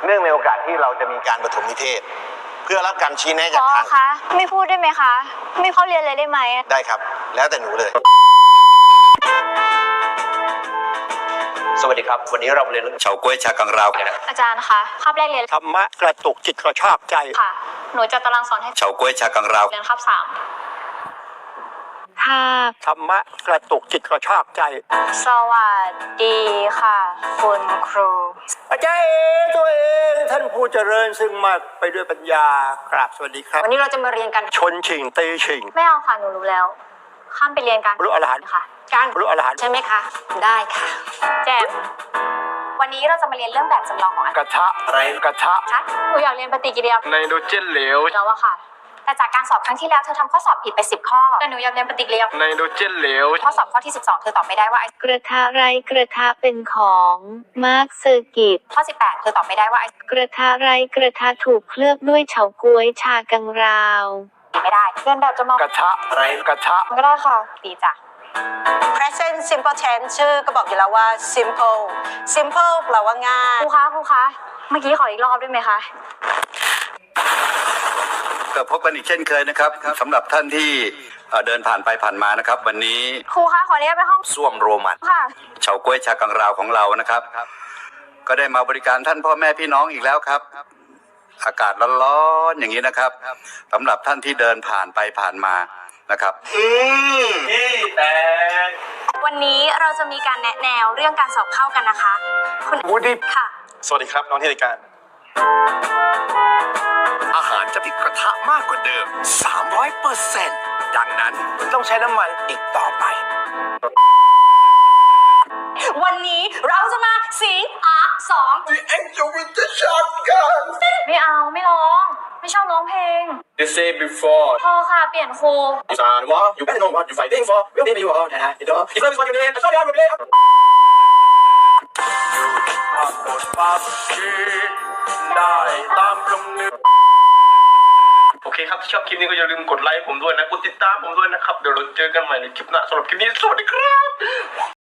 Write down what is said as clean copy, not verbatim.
เนื่องในโอกาสที่เราจะมีการปฐมนิเทศเพื่อรับการชี้แนะจากทางคะไม่พูดได้ไหมคะไม่เข้าเรียนเลยได้ไหมได้ครับแล้วแต่หนูเลยสวัสดีครับวันนี้เราเรียนเรื่องเฉาก๊วยชากังราวกันนะอาจารย์คะคาบแรกเรียนธรรมะกระตุกจิตกระชากใจค่ะหนูจะตารางสอนให้เฉาก๊วยชากังราวเรียนคาบ3ค่ะธรรมะกระตุกจิตกระชากใจสวัสดีค่ะคุณครูอาจารย์ตัวเองท่านผู้เจริญซึ่งมาไปด้วยปัญญากราบสวัสดีครับวันนี้เราจะมาเรียนกันชนชิงตีชิงไม่เอาค่ะหนูรู้แล้วข้ามไปเรียนกันรู้อรหันต์ค่ะการรู้อรหันต์ใช่ไหมคะได้ค่ะแจมวันนี้เราจะมาเรียนเรื่องแบบจำลองของกระทะอะไรกระทะหนูอยากเรียนปฏิกิริยาไนโตรเจนเหลวแล้วอะค่ะแต่จากการสอบครั้งที่แล้วเธอทำข้อสอบผิดไป10 ข้อแต่หนูอยากเรียนปฏิกิริยาไนโตรเจนเหลวข้อสอบข้อที่12เธอตอบไม่ได้ว่ากระทะไรกระทะเป็นของมาร์คเซอร์กิตข้อ18เธอตอบไม่ได้ว่ากระทะไรกระทะถูกเคลือบด้วยเฉาก๊วยชากังราวไม่ได้เรียนแบบจำลองกระทะอะไรกระทะก็ได้ค่ะดีจ้ะ present simple tense ชื่อก็บอกอยู่แล้วว่า simple แปลว่าง่ายครูคะเมื่อกี้ขออีกรอบได้ไหมคะก็พบกันอีกเช่นเคยนะครับสำหรับท่านที่เดินผ่านไปผ่านมานะครับวันนี้ครูคะขอเรียกไปห้องส้วมโรมันค่ะเฉาก๊วยชากังราวของเรานะครับก็ได้มาบริการท่านพ่อแม่พี่น้องอีกแล้วครับอากาศร้อนๆอย่างนี้นะครับสำหรับท่านที่เดินผ่านไปผ่านมานะครับแต่วันนี้เราจะมีการแนะแนวเรื่องการสอบเข้ากันนะคะคุณวูดดี้ค่ะสวัสดีครับน้องที่รายการอาหารจะติดกระทะมากกว่าเดิม 300%ดังนั้นต้องใช้น้ำมันอีกต่อไปวันนี้เราจะมาสิง2 เอ็งจะวินจะช็อตกันไม่เอาไม่ร้องไม่ชอบร้องเพลง You say before พอค่ะเปลี่ยนครู You are war You better know what you're fighting for We'll be you all that you know If love is what you need That's all you have to play ได้ตามคำนึกโอเคครับถ้าชอบคลิปนี้ก็อย่าลืมกดไลค์ผมด้วยนะกดติดตามผมด้วยนะครับเดี๋ยวเราเจอกันใหม่ในคลิปหน้าสำหรับคลิปนี้สวัสดีครับ